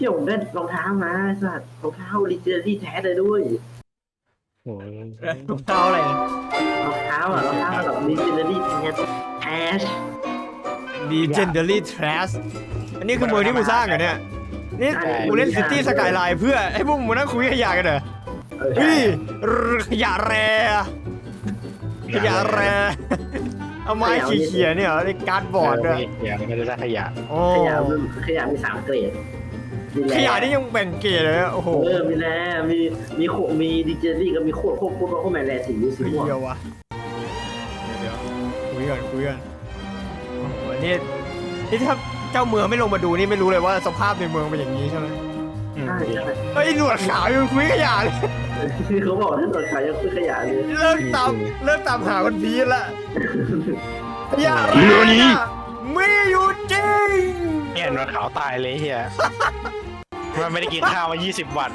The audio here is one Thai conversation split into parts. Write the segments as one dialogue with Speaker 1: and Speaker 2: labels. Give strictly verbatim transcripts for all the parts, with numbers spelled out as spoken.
Speaker 1: พี่ผมได้รองเท้ามาสัตว์รองเท้าลิเจอรี่แท้เลยด้วย
Speaker 2: โอ้ย
Speaker 3: รองเท้าอะไร
Speaker 1: รองเท้าอ่ะรองเท้าแบบลิเจอรี่แท้แอช
Speaker 3: Legendary Trash อันนี้คือเมืองที่กูสร้างเหรอเนี่ยนี่กูเล่นซิตี้สกายไลน์เพื่อให้พวกมึงมานั่งคุยขยะกันเหรอ
Speaker 1: เออ
Speaker 3: เฮ้ยขยะแรขยะแรเอาไม้เขี่ยๆเนี่ยเหรอในการ์ดบอร์ดด้วย
Speaker 2: ขยะไม่ได้สร้างขยะ
Speaker 3: โอ้
Speaker 1: ขยะมันขยะมีสามเกรดมีแร่
Speaker 3: ขยะนี่ยังแบ่งเกรดเลยโอ้โห
Speaker 1: เออมีแร่มีมีโคมีดิเจอรี่กับมีโคตรโคตรโคตรโคตรแมนแร่สีสีม่วง
Speaker 3: เดียววะเดี๋ยวคุยกันคุยกันโอ้โหนี่นี่ถ้าเจ้าเมืองไม่ลงมาดูนี่ไม่รู้เลยว่าสภาพในเมืองเป็นอย่างนี้ใช่ไหม
Speaker 1: ใช่ใช่
Speaker 3: เฮ้ยหนวดขาวยังคุยขยะเลย
Speaker 1: เขาบอกถ้าตรวจขายยังคือขยะเลย
Speaker 3: เลิกตามเลิกตามหาวันพีชละขยะ
Speaker 2: เรื่องนี้
Speaker 3: มีอยู่จริง
Speaker 2: เนี่ยนวดขาวตายเลยเฮียมันไม่ได้กินข้าวมายี่สิบวัน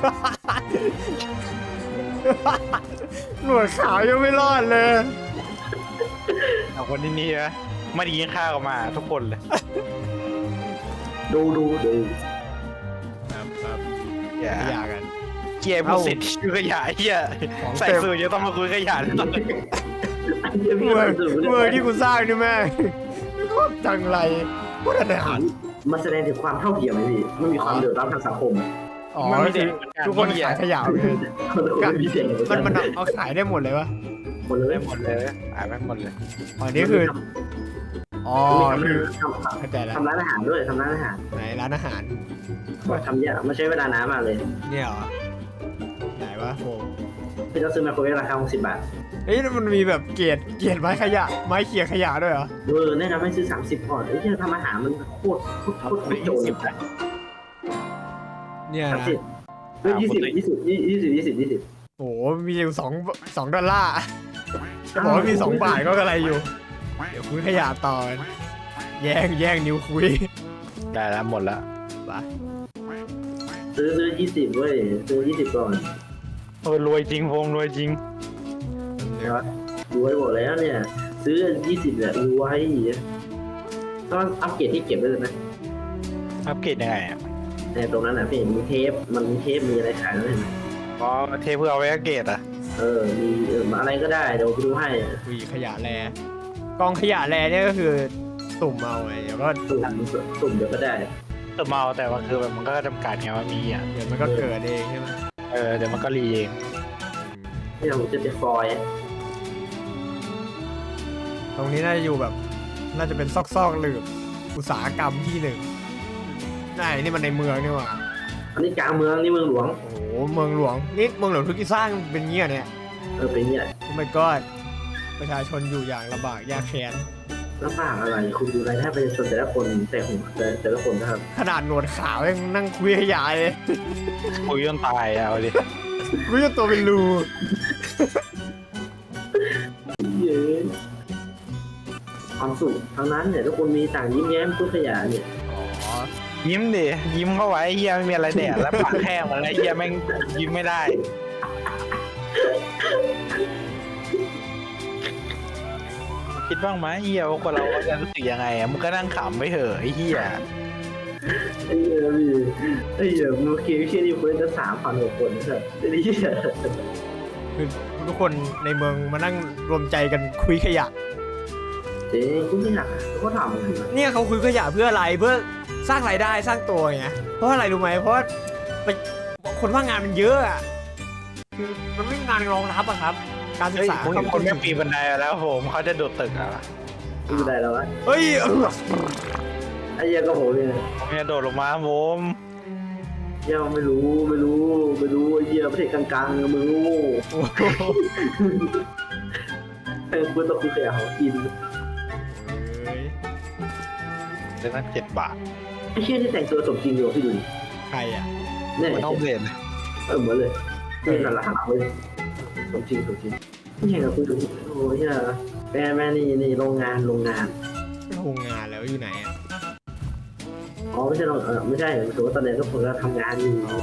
Speaker 3: หนวดขาวยังไม่รอดเลย
Speaker 2: เอาคนที่นี่นะไม่ได้กินข้าวมาทุกคนเลย
Speaker 1: ดูดูดู
Speaker 3: ครับครับ
Speaker 2: อย่า
Speaker 3: ขยะกัน
Speaker 2: เกียร์ผู้สิทธิ์คือขยะเฮีย
Speaker 3: ของเต็ม
Speaker 2: ใส่สูทจะต้องมาคุยขยะตอนนี้
Speaker 1: อันนี้พี่
Speaker 3: เมือง
Speaker 1: ดู
Speaker 3: เมืองที่กูสร้างนี่แม่งโคตรจังไรโคตรอนาถ
Speaker 1: มันแสดงถึงความเท่าเทียมไหมพี่มันมีความเดือดร้อนทางสังคม
Speaker 3: อ๋อคือทุกคนขายขยะเลย
Speaker 1: คนละคนมีเสียง
Speaker 3: มันมันเอาขายได้หมดเลยวะ
Speaker 1: หมดเลย
Speaker 2: ได้หมดเลยอ่านไม่หมดเลย
Speaker 3: อ๋อนี่คืออ๋อ
Speaker 1: มี
Speaker 3: คือ
Speaker 1: ทำทำ
Speaker 3: เข้าใจแล้ว
Speaker 1: ทำร้านอาหารด้วยทำร้านอาหาร
Speaker 3: ไหนร้านอาหาร
Speaker 1: บอกทำเยอะมันใช้เวลานานมากเลย
Speaker 3: เนี่ยเหรอไหนวะโฟม
Speaker 1: พี่ต้องซื้อไมโครเวฟราคาหกสิบบาท
Speaker 3: เฮ้ยมันมีแบบเกรดเกรดไม้ขยะไม้เขี่ยขยะด้วยเหรอ
Speaker 1: เออแนะนำให้ซื้อสามสิบก่อนไอ้ที่ทำอาหารมันโคตรโคตรโคตรโคตรโจรเลย
Speaker 3: เนี่ย
Speaker 1: สาม
Speaker 3: นะ
Speaker 1: สิบเฮ้ยยี่สิบยี่สิบยี่สิบยี่สิบยี่สิบ
Speaker 3: โอ้โหมีอยู่สองสองดอลลาร์จะบอกว่ามีสองบาทก็อะไรอยู่ เดี๋ยวคุยขยะต่อแย่งแย่งนิ้วคุย
Speaker 2: ได้แล้วหมดแล้ว
Speaker 3: ไป
Speaker 1: ซื้อซื้อยี่สิบเว้ยซื้อยี่สิบก่อน
Speaker 2: เออรวยจริงพงรวยจริง
Speaker 1: รวยหมดแล้วเนี่ย ซื้อยี่สิบเนี่ยรวยต้องอัปเกรดที่เก็บไว้เลยนะ
Speaker 2: อัปเกรดยังไงอ่ะ
Speaker 1: ในตรงนั้นนะพี่มีเทปมันมีเทปมีอะไรขายแล้วเห็นไหม
Speaker 2: อ๋อเทเพื่อเอาไว้อัปเกรดอ่ะ
Speaker 1: เออมีเอออะไรก็ได้เดี๋ยวไปดูให้
Speaker 3: คุยขยะแลกองขยะแลเนี่ยก็คือตุ่มเอาไงเดี๋ยวก็
Speaker 1: ตุ่มตุ่มเดี๋ยวก็ได้
Speaker 2: เออเมาแต่ว่าคือแบบมันก็จำกัดไงว่ามีอ่ะ
Speaker 3: เดี๋ยวมันก็เกิดเองใช่ไหม
Speaker 2: เออเดี๋ยวมันก็รีเอง
Speaker 1: ที่เราจะเป็นฟอยล์
Speaker 3: ตรงนี้น่าจะอยู่แบบ น่าจะเป็นซอกๆหลืบอุตสาหกรรมที่หนึ่งไหนนี่มันในเมืองนี่หว่า
Speaker 1: อันนี้กลางเมืองนี่เมืองหลวง
Speaker 3: โอ้โหเมืองหลวงนี่เมืองหลวงทุกที่สร้างเป็นเงี้ยเนี่ย
Speaker 1: เออเป็นเนี่ย
Speaker 3: โอ้ my god ประชาชนอยู่อย่างลำบากยากแค้น
Speaker 1: ลำบากอะไรคุณดูรายได้ประชาชนแต่ละคนแต่หัวแต่แต่ละคนนะครับ
Speaker 3: ขนาดหนวดขาวยังนั่งคุยขยะเลย
Speaker 2: คุยจนตายอ่ะเอาดิ
Speaker 3: คุยจนตัวเป็นรู
Speaker 1: เย้ความสุขทั้งนั้นเนี่ยทุกคนมีต่างยิ้มแย้มพุทธยาเนี่ย
Speaker 3: อ๋อ
Speaker 2: ยิ้มดิยิ้มเข้าไว้เฮียไม่มีอะไรแดดแล้วปากแห้งหมดแล้วเฮียแม่งยิ้มไม่ได้คิดบ้างไหมเฮียว่าคนเราจะรู้สึกยังไงอ่ะมึงก็นั่งขำไปเถอะไอ้เฮีย
Speaker 1: ไอ้เหี้ยพี่ไอ้เหี้ยมือคีย์ที่นี่คนจะสามพันกว่าคนนะครับไอ้เหี้ย
Speaker 3: คือทุกคนในเมืองมานั่งรวมใจกันคุยขยะ
Speaker 1: เจ๊คุณไม่หนักเขาก็ทำกันนะ
Speaker 3: เนี่ยเขาคุยขยะเพื่ออะไรเพื่อสร้างรายได้สร้างตัวไงเพราะอะไรรู้ไหมเพราะว่าไปคนว่างงานมันเยอะอะคือมันไม่มีงานรองรับอะครับ การศึก
Speaker 2: เฮ้ย
Speaker 3: ษา
Speaker 2: ผมเห็นคนไม่ปีนบันไดแล้วผมเขาจะโดดตึกอ่ะ
Speaker 1: ไม่เป็นไรแล้ววะ
Speaker 3: เฮ้ยเออ
Speaker 1: ไอ้เหี้ยก็โหเนี่ย
Speaker 2: ผมจะโดดลงมาผม
Speaker 1: เหี้ยไม่รู้ไม่รู้ไม่รู้ไอ้เหี้ยประเทศกลางๆมึงโง่
Speaker 3: โอ้โห
Speaker 1: เออคุณต้องคุยขยะของกิน
Speaker 3: เฮ้ย
Speaker 2: เดือนละเจ็ดบาท
Speaker 1: ไอ้เหี้ยที่แต่งตัวสมจริงอยู่พี่ดูดิ
Speaker 3: ใครอะ
Speaker 1: เนี่ย
Speaker 2: มันต้องเรียน
Speaker 1: เออเหมือนเลยนี่นั่นแหละหาเลยสมจริงสมจริงนี่ไงกับคุยดูโอ้ยเหี้ยแม่แม่นี่นี่โรงงานโรงงาน
Speaker 3: โรงงานแล้วอยู่ไหนอะ
Speaker 1: อ๋อไม่ใช่โรงเออไม่ใช่ถือว่าตอนนี้ทุกคนก็ทำงานอยู่
Speaker 3: อ๋อ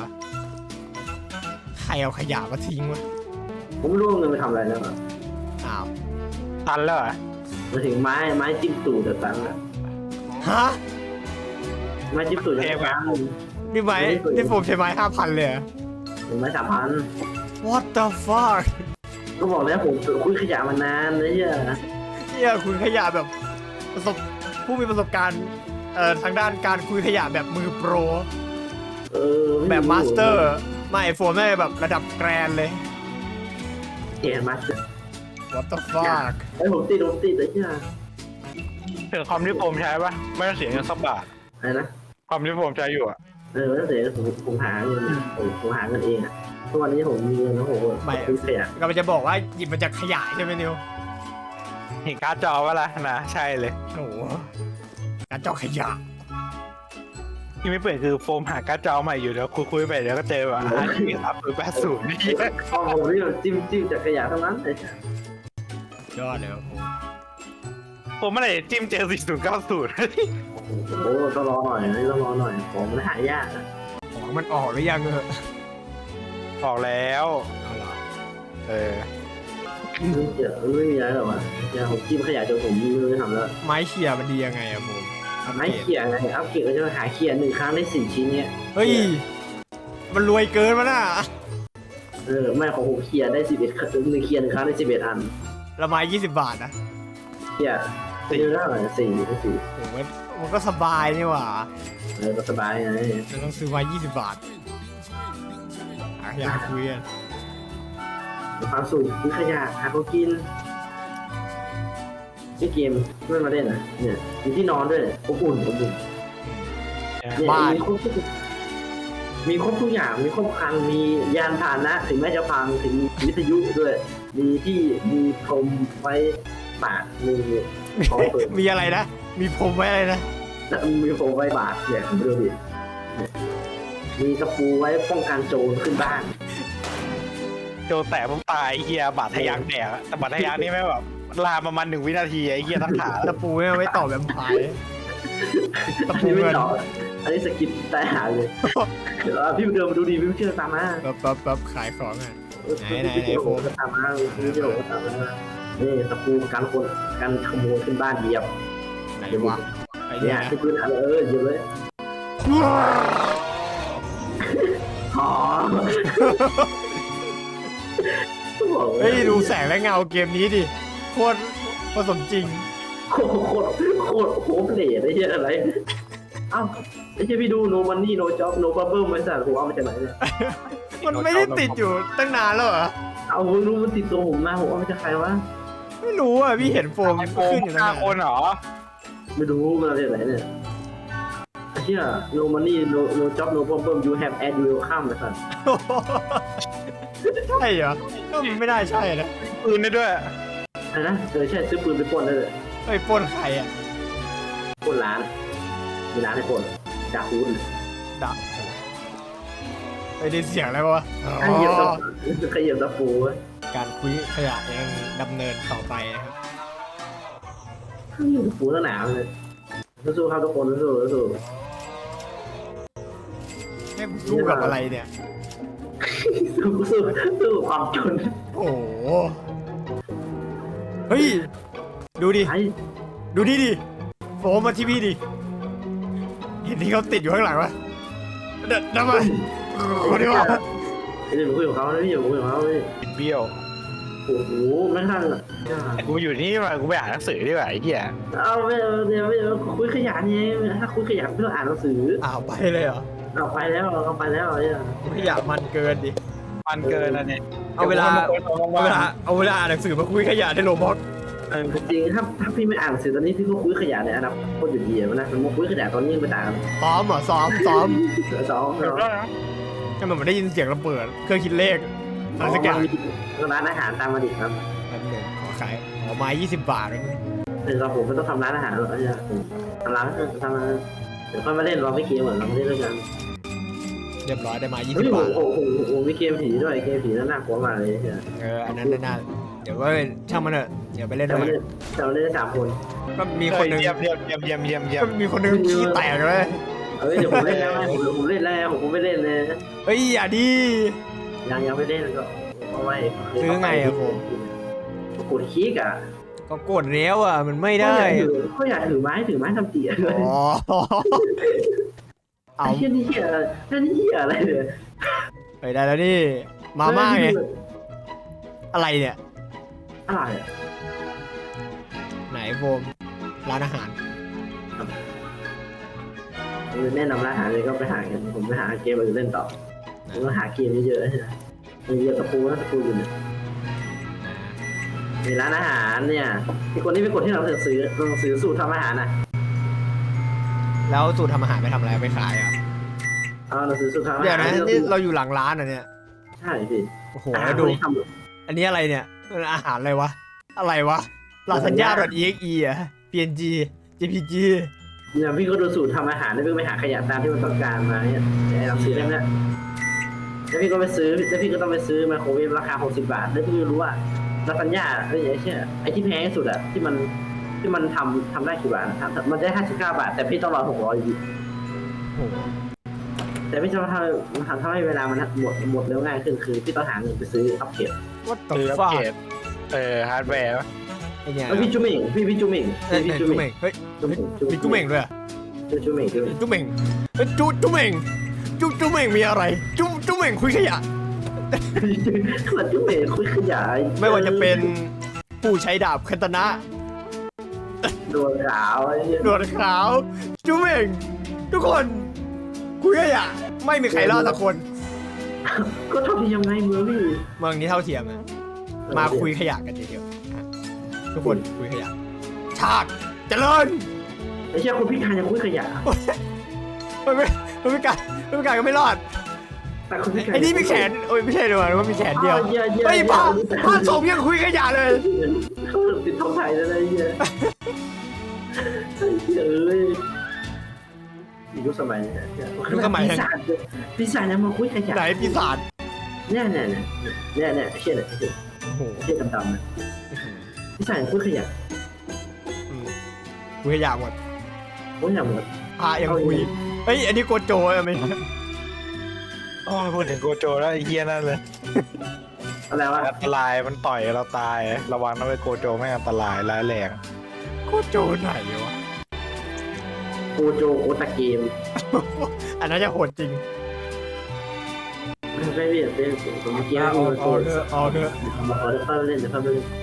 Speaker 3: ใครเอาขยะมาทิ้งวะ
Speaker 1: ผมไม่รู้ว่าเงินไปทำอะไรแล้วอะ
Speaker 3: อ้าว
Speaker 2: ทันแล้วเหรอ่ะ
Speaker 1: มาถึงไม้ไม้จิ้มตู่เดือดตังค์แล้ว
Speaker 3: ฮะ
Speaker 1: ไม้จิ้มตู่จะตังค์
Speaker 3: นี่ไม้นี่ผมใช้ไม้ห้าพันเลยเหรอ
Speaker 1: ผมไม่สามพัน
Speaker 3: What the fuck
Speaker 1: ก็บอกแล้วผมคุยขยะมานานเลยเฮีย
Speaker 3: เนี่ยคุณขยะแบบประสบผู้มีประสบการณ์เอ่อทางด้านการคุยขยะแบบมือโปร
Speaker 1: เออ
Speaker 3: แบบมาสเตอร์ไม่โฟมไม่แบบระดับแกรนเลย
Speaker 1: เกียร์มาสเตอร์
Speaker 3: What the fuck
Speaker 1: ไอ้ผมติดผมติดเลยเฮีย
Speaker 2: ถึงคอมที่ผมใช้ปะไม่ต้องเสียเงินสักบาท
Speaker 1: อะไรนะ
Speaker 2: คอมที่ผมใช้อยู่อะ
Speaker 1: เออแล้วเดี๋ยวผมผมหาเงินผมผมหาเงินเองอ่ะทุกวันนี้ผมมีเงินแล้วผมคุยขยะ
Speaker 3: ก็จะบอกว่าหยิบมาจากขยะใช่ไหมนิว
Speaker 2: เห็นการ์ดจอวะล่ะนะใช่เลย
Speaker 3: โอ้โหการเจาะขยะ
Speaker 2: ที่ไม่เปลี่ยนคือโฟมหาการ์ดจอใหม่อยู่เดี๋ยวคุยๆไปเดี๋ยวก็เจอแบบอาร์ทีครับหรือแปดศูนย์นี่
Speaker 1: พอผมนี่จิ้มจิ้มจากขยะทั้งนั้นเลย
Speaker 3: ยอดเลยครับผม
Speaker 2: ผมไม่ได้จิ้มเจอสี่ศูนย์เก้าศูนย์
Speaker 1: โอ้ต้องรอหน่อยนะต้องรอหน่อยของมันหายากนะ
Speaker 3: ของมันออกหรือยังเออ
Speaker 2: ออกแล้ว
Speaker 3: เอาล่ะ
Speaker 2: เออ
Speaker 1: เดี๋ยวไม่มีอะไรหรอกวะเดี๋ยวผมจิ้มขยะจนผมไม่รู้จะทำแล้ว
Speaker 3: ไม้เขี่ยมันดียังไงอะผมอัป
Speaker 1: ไม่
Speaker 3: เกรด
Speaker 1: เขี่ยไงอัพเกรดก็จะหาเขี่ยหนึ่งครั้งได้สี่ชิ้นเนี่ย
Speaker 3: เฮ้ยมันรวยเกินมาน่ะ
Speaker 1: เออไม่ของผมเขี่ยได้สิบเอ็ดหนึ่งเขี่ยหนึ่งครั้งได้สิบเอ็ดอัน
Speaker 3: ละไม้ยี่สิบบาทนะ
Speaker 1: เขี่ยสี่ได้เท่าไหร่สี่ได้สี่
Speaker 3: โอ้โหมันก็สบายนี่หว่า
Speaker 1: เออก็สบายไง
Speaker 3: เราต้องซื้อไม้ยี่สิบบาทหาอยากคุยกัน
Speaker 1: ความสุขคือขยะหาเขากินนี่เกมไม่มาเล่นนะเนี่ยมีที่นอนด้วยอบอุ่นอบอุ่นเนี่ย
Speaker 3: บ้าน
Speaker 1: มีครบทุกมีครบทุกอย่างมีครบครันมียานพาหนะถึงแม้จะพังถึงวิทยุด้วย มีที่มีพรมไว้ปากมีของเปิด
Speaker 3: มีอะไรนะ มีผมไว้อะไรนะ
Speaker 1: มีพรมไว้บาดเนี่ยดูดิเนี่ยมีตะปูไว้ป้องกันโจรขึ้นบ้าน
Speaker 2: โจแต่ผมตายเฮียบาดทะยักแดกอะแต่บาดทะยักนี่ไม่แบบลามประมาณหนึ่งวินาทีไอ้เฮียทั้งขา
Speaker 3: ตะปูไม่เอาไว้ต่อแบบพายตะ
Speaker 1: อัน
Speaker 3: ปู
Speaker 1: นี้ไม่
Speaker 3: เงิน
Speaker 1: ต่ออันนี้สกิปใต้หาเลยเดี๋ยวพี่เดินมาดูดีพี่เชื่อตามมา
Speaker 3: ปั๊บปั๊บปั๊บขายของอ่ะ ไหนไหนไหน
Speaker 1: โอ้โหตามมาพี่เดี๋ยวตามมานี่ตะปูการคนการขโมยขึ้นบ้านเหยียบ
Speaker 3: ไหนวะไอ้
Speaker 1: เนี่
Speaker 3: เนี่ย ย
Speaker 1: ที่พื้นอะไรเออเหยียบเลยอ๋อ
Speaker 3: เฮ้ยดูแสงและเงาเกมนี้ดิโคตรผสมจริง
Speaker 1: โคตรโคตรโคตรโคตรเหล่ไอ้เหี้ยอะไรเอ้าไอ้เหี้ยพี่ดู no money no job no problem บริษัทผมเอามาจากไหนเนี่ย
Speaker 3: มันไม่ได้ติดอยู่ตั้งนานแล้วเหรอ
Speaker 1: เอาผมรู้มันติดตัวผมมาผมเอามาจากใครวะ
Speaker 3: ไม่รู้อ่ะพี่เห็นโฟม
Speaker 2: ไอโฟ
Speaker 3: ขึ้
Speaker 2: ม
Speaker 3: นอยู่ตั้ง
Speaker 2: ห้าน
Speaker 3: าน
Speaker 2: คนเหรอ
Speaker 1: ไม่รู้มันเอาจากไหนเนี่ยไอ้เหี้ย no money no no job no problem you have and you will come นะสัน
Speaker 3: ใช่เหรอก็มันไม่ได้ใช่นะ
Speaker 2: ปืนได้ด้วย
Speaker 1: อะไรนะเออใช่ซื้อปืนไปปล้นได้เลย
Speaker 3: ไอ้ยปล้นใครอ่ะ
Speaker 1: ปล้นร้านมีร้านให้ปล้นดาคูน
Speaker 3: ดักไปได้เสียงอะไรวะอ๋
Speaker 1: ขยับตะ
Speaker 3: อ
Speaker 1: ขยับตะปูเว้ย
Speaker 3: การคุยขยะยังดำเนินต่อไปนะครับ
Speaker 1: ขยับตะปูตั้งหนาวเลยสู้ๆครับทุกคนสู้ๆสู้
Speaker 3: แม่งสู้กับอะไรเนี่ย
Speaker 1: ๆสู้ๆสู้สู้กับความจน
Speaker 3: โอ้โหเฮ้ยดูดิ
Speaker 1: ไอ้
Speaker 3: ดูดิดิโฟมมาที่พี่ดิเห็นที่เขาติดอยู่ข้างหลังวะเด็ดนะมันคนนี้วะ
Speaker 1: เดี๋ยวผมคุยกับเขานะพี่เดี๋ยวผมคุยกับเขาเลย
Speaker 2: บิดเบี้ยว
Speaker 1: โอ้โหไม่ทันอ่ะ
Speaker 2: กูอยู่นี่มากูไปอ่านหนังสือดีกว่าไอ้เหี้ย
Speaker 1: เอาไม่เอาเดี๋ยวไม่เอาคุยขยันไงถ้าคุยขยันไม่ต้องอ่านหนังสือ
Speaker 3: อ้าวไปเลยเหรอ
Speaker 1: เอาไปแล้วเอาไปแล้วเนี่ย
Speaker 3: ขยะมันเกินดิ
Speaker 2: มันเกินอันนี้
Speaker 3: เอาเวลา
Speaker 2: ดี๋ยวกู
Speaker 3: เอาเวลาเอาเวลาอ่านหนังสือมาคุยขยะในโรบอท
Speaker 1: เออจริงถ้าถ้าพี่ไม่อ่านหนังสือตอนนี้พี่ก็คุยขยันในอนาคตโคตรอยู่ดีอะนะสมมติคุยขยันตอนนี้ยังไปต่างกัน
Speaker 3: ซ้อมเหรอซ้อมซ้อม
Speaker 1: เสือสอง
Speaker 2: เดี๋ยว
Speaker 1: เนาะ
Speaker 2: นะ
Speaker 3: ให้มันเหมือนได้ยินเสียงระเบิดเครื่องคิดเลขอะไรสักอย่าง
Speaker 1: ร้านอาหารตามมาดิครับ
Speaker 3: อันหนึ่งขอขายขอไม้ยี่สิบบาทแล้วนี่
Speaker 1: เดี๋ยวเราผมไม่ต้องทำร้านอาหารหรอกเนี่ยทำร้านทำร้านเดี๋ยวค่อยมาเล่นเราไม่เกมเหมือนเราไม่เล่นด้วยกัน
Speaker 3: เรียบร้อยได้ไม้ยี่
Speaker 1: เฮ้
Speaker 3: สิ
Speaker 1: ย
Speaker 3: บบาท
Speaker 1: โอ้โหโอ้โหมีเกมผีด้วยเกมผีน่ากลัวมากเลยเนี่ย
Speaker 3: เอออันนั้นน่าเดี๋ยวก็ช่างมันเถอะเดี๋ยวไปเล่น
Speaker 1: แต่
Speaker 3: ด้วย
Speaker 1: เราเล่นแต่เราเล่นได้สามคน
Speaker 3: ก็มีคนหนึง
Speaker 2: เยี่ยมเยี่ยมเยี่ยมเยี่ยมเยี่ยมเยี่ย
Speaker 3: ก็
Speaker 2: ม
Speaker 3: มีคนหนึงขี้แตกเลย
Speaker 1: เฮ้ยเดี๋ยวผมเล่นแล้วผมผมเล่นแล้วผมไม่เล่นเลย
Speaker 3: เฮ้ยอย่าดิ
Speaker 1: ยังยังไม่เล่นก็เอาไว้
Speaker 3: ซื้อไงอะผม
Speaker 1: กดคลิกอ่ะ
Speaker 3: ก็กดแล้วอ่ะมันไม่ได้
Speaker 1: เขาอยากถือไม้ถือไม้ทำเตี๋ยเลย
Speaker 3: อ๋อเอา
Speaker 1: ไอ้เหี้ยนี่เหี้ยอะไรนี่เหี้ยอะไรเนี่ย
Speaker 3: ไปได้แล้วนี่มาม่าไงอะไรเนี่ย
Speaker 1: อะไรอ่ะ
Speaker 3: ไหนโฟมร้านอาหาร
Speaker 1: แนะนำร้านอาหารเลยก็ไปหากันผมไปหาเกมอื่นเล่นต่อผมก็หาเกมเยอะๆนะมีเยอะตะปูนะตะปูอยู่เนี่ยมีร้านอาหารเนี่ยมีคนที่เป็นคนที่เราจะซื้อเราซื้อสูตรทำอาหารนะ
Speaker 3: แล้วสูตรทำอาหารไปทำอะไรไปขายอ่ะ
Speaker 1: เอาเราซื้อสูตรทำอาหาร
Speaker 3: เดี๋ยวนะนี่เราอยู่หลังร้านอ่ะเนี่ย
Speaker 1: ใช่พี่
Speaker 3: โอ้โห
Speaker 1: อาหาร
Speaker 3: แล้วดู
Speaker 1: ที่ทำ
Speaker 3: อันนี้อะไรเนี่ยมันอาหารอะไรวะอะไรวะลาซานญ่า .exe อ่ะ png jpg
Speaker 1: เนี่ยพี่ก็ดูสูตรทำอาหารแล้วพี่ก็ไปหาขยะตามที่มันต้องการมาเนี่ยไอ้เราซื้อได้ไหมแล้วพี่ก็ไปซื้อแล้วพี่ก็ต้องไปซื้อไมโครเวฟราคาหกสิบบาทแล้วพี่ก็รู้ว่าลาซานญ่าไอ้เชี่ยไอ้ที่แพงที่สุดอะที่มันที่มันทำทำได้กี่บาททำมันได้ห้าสิบเก้าบาทแต่พี่ต้องรอหกร้อยอยู่ดี
Speaker 3: โอ้โห
Speaker 1: แต่พี่จะทำมันทำให้เวลามันหมดหมดเร็วง่ายขึ้นคือพี่ต้องหาเงินไปซื้ออัพเกรด
Speaker 3: what
Speaker 2: คือ
Speaker 3: the
Speaker 2: อัป
Speaker 3: fuck
Speaker 2: เกรดเออฮาร์ดแวร์
Speaker 3: ไอ้เนี่ย
Speaker 1: แล้วพี่จุ๊เม่งพี่พี่จุ๊เม่ง
Speaker 3: เอ้ย
Speaker 1: พี่
Speaker 3: เนี่ย
Speaker 1: จุ๊
Speaker 3: จุ๊
Speaker 1: เม่
Speaker 3: เม่
Speaker 1: ง
Speaker 3: งเฮ้ย
Speaker 1: จุ๊เม่ง
Speaker 3: มีจุ๊เม่งด้วยอะ
Speaker 1: จุ๊เม่งจุ๊เม่ง
Speaker 3: จุ๊เม่งเฮ้ยจุ๊จุ๊เม่งจุ๊จุ๊เม่งมีอะไรจุ๊จุ๊เม่งคุยขยะ
Speaker 1: ขนาดจุ๊เม่งคุยขยาย
Speaker 3: ไม่ว่าจะเป็นผู้ใช้ดาบคันตนะ
Speaker 1: โดนขาวไอ้เหี้ย
Speaker 3: หนวดขาวจุ๊เม่งทุกคนคุยขยะไม่มีใครรอดสักคน
Speaker 1: ก็ทำยังไงมือพี่
Speaker 3: เมืองนี้เท่าเทียมนะมาคุยขยะกันเดียวๆทุกคนคุยขยะชาติเจริญ
Speaker 1: ไอ้เชี่ยคนพิการยังคุยขยะ
Speaker 3: มันไม่มันไม่การมันไม่การก็ไม่รอด
Speaker 1: แต่คนพิการ
Speaker 3: ไอ้นี่มีแขนโอ้ยไม่ใช่ด้วยว่ามีแขนเดียว
Speaker 1: อ้าเหี้ยเหี้ย
Speaker 3: ไม่
Speaker 1: เหี้ย
Speaker 3: ผ่าผ่าสมยังคุยขยะเลย
Speaker 1: เขาติดท้องไผ่แล้วนะไอ้เหี้ยไอ้เหี้ยเอ้ยยุคสมัยเนี่ยปีศาจปีศาจยังมาคุยขยะ
Speaker 3: ไหนปีศาจ
Speaker 1: เนี่ยเนี่ยเนี่ยเนี่ยเนี่ยเชี่ยเนี่ยเชี่ย
Speaker 3: โอ้โห
Speaker 1: เชี่ยดำๆนะปีศาจยังคุยขยะ
Speaker 3: อืมคุยขยะหมด
Speaker 1: โอ้ยอย่างหมด
Speaker 3: พายังคุยเฮ้ยอันนี้โกโจอะไม่
Speaker 2: อ๋อพูดถึงโกโจแล้วไอ้เฮียนั่นเลย
Speaker 1: อะไรวะ
Speaker 2: อันตรายมันต่อยเราตายระวังนะไอ้โกโจไม่งอันตรายร้ายแรง
Speaker 3: โกโจไหนวะ
Speaker 1: โกโจโอตาเกม
Speaker 3: อันนั้นจะโหดจริง
Speaker 1: ไม่ใช่พี่เป็นผมเมื่อกี้
Speaker 3: เอา
Speaker 1: เอา
Speaker 3: เอาเถอะเอาเถอะ
Speaker 1: มาขอเล่นเล่นเดี๋ยวเขาเล่น